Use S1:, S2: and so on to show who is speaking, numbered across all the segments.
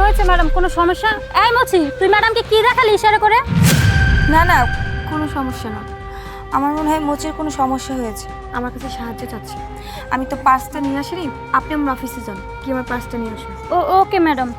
S1: হয়েছে ম্যাডাম? কোনো সমস্যা? এই মুচি, তুই ম্যাডামকে কি দেখালি ইশারা করে?
S2: না না, কোনো সমস্যা না। আমার মনে হয় মোচের কোনো সমস্যা হয়েছে, আমার কাছে সাহায্য চাচ্ছে। আমি তো পার্সটা নিয়ে আসিনি, আপনি আমার অফিসে যান, কি আমার পার্সটা নিয়ে আসুন।
S1: Okay madam.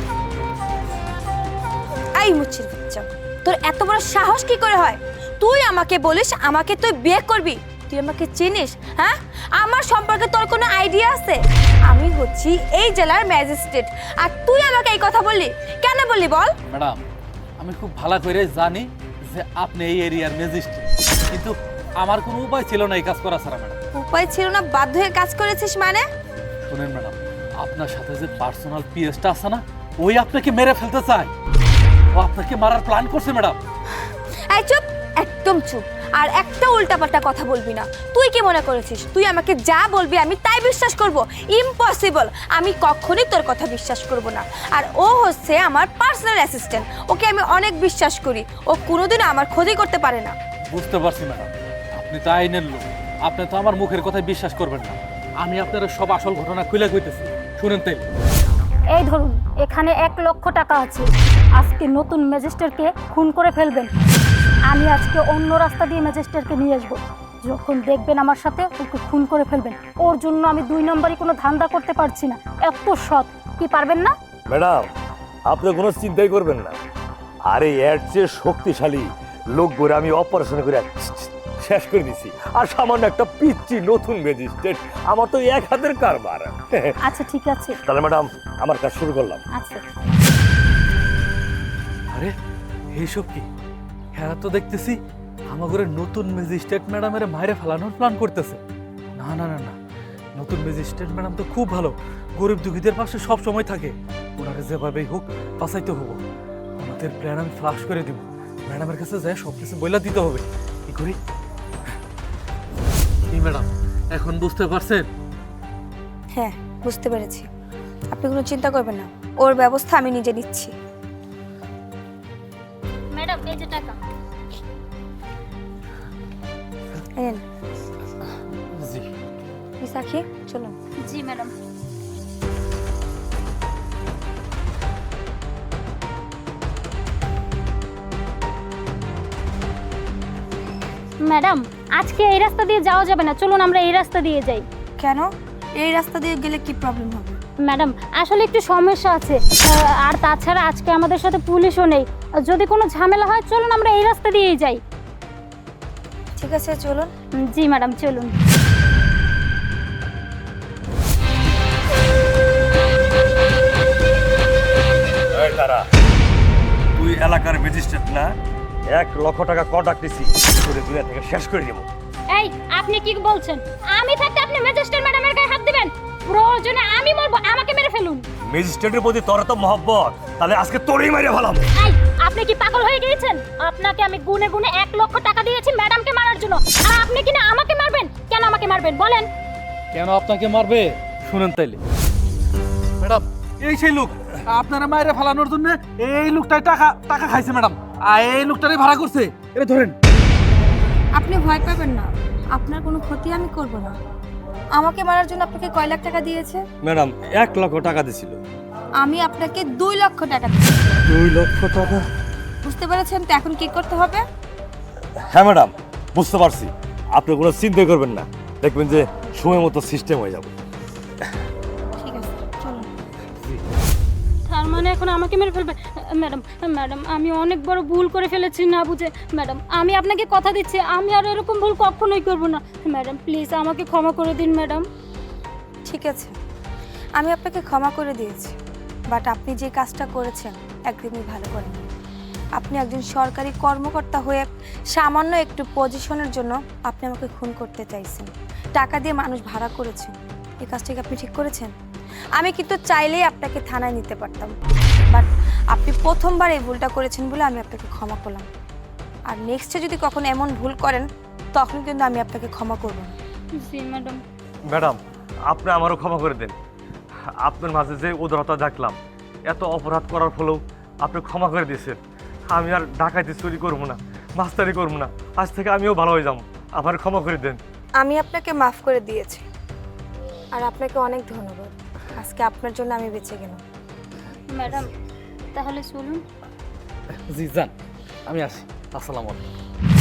S2: এই মুচির বাচ্চা, তোর এত বড় সাহস কি করে হয়? তুই আমাকে বলিস আমাকে তুই বিয়ে করবি? তুই আমাকে চিনিস? হ্যাঁ, আমার সম্পর্কে তোর কোনো আইডিয়া আছে? আমি হচ্ছি এই জেলার ম্যাজিস্ট্রেট, আর তুই আমাকে এই কথা বললি কেন? বললি বল।
S3: ম্যাডাম, আমি খুব ভালো করে জানি যে আপনি এই এরিয়ার ম্যাজিস্ট্রেট, কিন্তু আমার কোনো উপায় ছিল না এই কাজ করা ছাড়া। ম্যাডাম,
S2: উপায় ছিল না? বাধ্য হয়ে কাজ করেছিস মানে?
S3: শুনেন ম্যাডাম, আপনার সাথে যে পার্সোনাল পিএসটা আছে না, ওই আপনাকে মেরে ফেলতে চায়। ও আপনাকে মারার প্ল্যান করছে ম্যাডাম।
S2: এই চুপ, একদম চুপ। আর একটা উল্টাপাল্টা কথা বলবি না। তুই কি মনে করেছিস তুই আমাকে যা বলবি আমি তাই বিশ্বাস করব? ইম্পসিবল, আমি কখনোই তোর কথা বিশ্বাস করব না। আর ও হচ্ছে আমার পার্সোনাল অ্যাসিস্ট্যান্ট, ওকে আমি অনেক বিশ্বাস করি। ও কোনোদিনও আমার ক্ষতি করতে পারে না।
S3: বুঝতে পারছি ম্যাডাম, আপনি তো আইনের লোক, আপনি তো আমার মুখের কথায় বিশ্বাস করবেন না। আমি আপনার সব আসল ঘটনা খুলে কইতেছি, শুনেন তাই।
S1: এই ধরুন, এখানে 1,00,000 টাকা আছে। আজকে নতুন ম্যাজিস্ট্রেটকে খুন করে ফেলবেন। আমি আজকে অন্য রাস্তা দিয়ে ম্যাজিস্ট্রেটকে নিয়ে আসবো। যখন দেখবেন আমার সাথে, ওকে খুন করে ফেলবেন। ওর জন্য আমি 2 নম্বরই কোনো ধান্দা করতে পারছি না। এত সৎ, কি পারবেন না?
S4: ম্যাডাম, আপনি কোনো চিন্তাই করবেন না। আরে এর চেয়ে শক্তিশালী লোক করে আমি অপারেশন করে শেষ করে দিছি। আর সামান্য একটা পিচ্ছি নতুন ম্যাজিস্ট্রেট, আমার তো এক হাতের কারবার।
S1: আচ্ছা ঠিক আছে।
S4: তাহলে ম্যাডাম, আমার কাজ শুরু করলাম।
S1: আচ্ছা।
S3: আরে এইসব কি? হ্যাঁ, তো দেখতেছি আমাদের নতুন ম্যাজিস্ট্রেট ম্যাডামের মায়ের ফেলানোর প্ল্যান করতেছে। না না না না, নতুন ম্যাজিস্ট্রেট ম্যাডাম তো খুব ভালো, গরিব দুঃখীদের পাশে সব সময় থাকে। ওনাকে যেভাবেই হোক বাঁচাইতে হবো। আমাদের প্ল্যান আমি ফ্লাশ করে দিব। ম্যাডামের কাছে যায় সব কিছু বইলা দিতে হবে। কি করি? কি ম্যাডাম, এখন বুঝতে পারছেন?
S2: হ্যাঁ, বুঝতে পেরেছি। আপনি কোনো চিন্তা করবেন না, ওর ব্যবস্থা আমি নিজে নিচ্ছি।
S1: ম্যাডাম, এই যে টাকা।
S2: এই নেন।
S3: জি।
S2: বিশাখী, চলুন।
S1: জি ম্যাডাম। ম্যাডাম, আজকে এই রাস্তা দিয়ে যাওয়া যাবে না, চলুন আমরা এই রাস্তা দিয়ে যাই।
S2: কেন? এই রাস্তা দিয়ে গেলে কি প্রবলেম হবে?
S1: ম্যাডাম, আসলে একটু সমস্যা আছে, আর তাছাড়া আজকে আমাদের সাথে পুলিশও নেই। যদি কোনো ঝামেলা হয় চলুন আমরা এই রাস্তা দিয়েই যাই।
S2: ঠিক আছে, চলুন।
S1: জি ম্যাডাম, চলুন।
S4: এই তারা, তুই এলাকার ম্যাজিস্ট্রেট না? 1,00,000 টাকা কন্ট্রাক্ট দিছি, তোরে দুনিয়া থেকে শেষ করে দেবো।
S1: এই, আপনি কি বলছেন? আমি থাকতে আপনি ম্যাজিস্ট্রেট ম্যাডামের গায়ে হাত দিবেন? প্রয়োজনে আমি মরবো, আমাকে মেরে ফেলুন।
S4: ম্যাজিস্ট্রেটের প্রতি তোর তো মহব্বত, তাহলে আজকে তোরেই মেরে ফেলাম।
S1: এই, আপনি কি পাগল হয়ে গিয়েছেন? আপনাকে আমি গুনে গুনে 1,00,000 টাকা দিয়েছি ম্যাডামকে মারার জন্য, আর আপনি কিনা আমাকে মারবেন? কেন আমাকে মারবেন বলেন?
S3: কেন আপনাকে মারবে? শুনেন তাইলে। ম্যাডাম, এই সেই লোক আপনারা মায়েরা ফেলানোর জন্য এই লোকটাই টাকা টাকা খাইছে ম্যাডাম, আর এই লোকটারই ভাড়া করছে। এটা ধরেন।
S2: আপনি ভয় পাবেন না, আপনার কোনো ক্ষতি আমি করব না। আমাকে মারার জন্য আপনাকে কয় লাখ টাকা দিয়েছে?
S4: ম্যাডাম, 1,00,000 টাকা দিছিল।
S2: আমি আপনাকে 2 লক্ষ টাকা দিয়েছি।
S4: 2 লক্ষ টাকা?
S2: বুঝতে পেরেছেন তো এখন কি করতে হবে?
S4: হ্যাঁ ম্যাডাম, বুঝতে পারছি। আপনি কোনো চিন্তা করবেন না, দেখবেন যে সময় মতো সিস্টেম হয়ে যাবে।
S2: ঠিক আছে, চলুন।
S1: তার মানে এখন আমাকে মেরে ফেলবে? ম্যাডাম, ম্যাডাম, আমি অনেক বড় ভুল করে ফেলেছি না বুঝে। ম্যাডাম, আমি আপনাকে কথা দিচ্ছি আমি আর এরকম ভুল কখনোই করব না। ম্যাডাম, প্লিজ আমাকে ক্ষমা করে দিন ম্যাডাম।
S2: ঠিক আছে, আমি আপনাকে ক্ষমা করে দিয়েছি, বাট আপনি যে কাজটা করেছেন একদমই ভালো করেন। আপনি একজন সরকারি কর্মকর্তা হয়ে সামান্য একটু পজিশনের জন্য আপনি আমাকে খুন করতে চাইছেন, টাকা দিয়ে মানুষ ভাড়া করেছেন। এই কাজটাকে আপনি ঠিক করেছেন। আমি কিন্তু চাইলেই আপনাকে থানায় নিতে পারতাম, বাট আপনি প্রথমবার এই ভুলটা করেছেন বলে আমি আপনাকে ক্ষমা করলাম। আর নেক্সটে যদি কখনো এমন ভুল করেন তখন কিন্তু আমি আপনাকে ক্ষমা করব না।
S1: জি ম্যাডাম।
S4: ম্যাডাম, আপনি আমারও ক্ষমা করে দেন। আপনার মাঝে যে উদারতা দেখলাম, এত অপরাধ করার ফলেও আপনি ক্ষমা করে দিয়েছেন। আমি আর ডাকাতি চুরি করবো না, মাস্তারি করবো না। আজ থেকে আমিও ভালো হয়ে যাবো। আমার ক্ষমা করে দেন।
S2: আমি আপনাকে মাফ করে দিয়েছি, আর আপনাকে অনেক ধন্যবাদ। আজকে আপনার জন্য আমি বেঁচে গেলাম।
S1: ম্যাডাম তাহলে চলুন।
S3: জি যান, আমি আসি। আসসালামু আলাইকুম।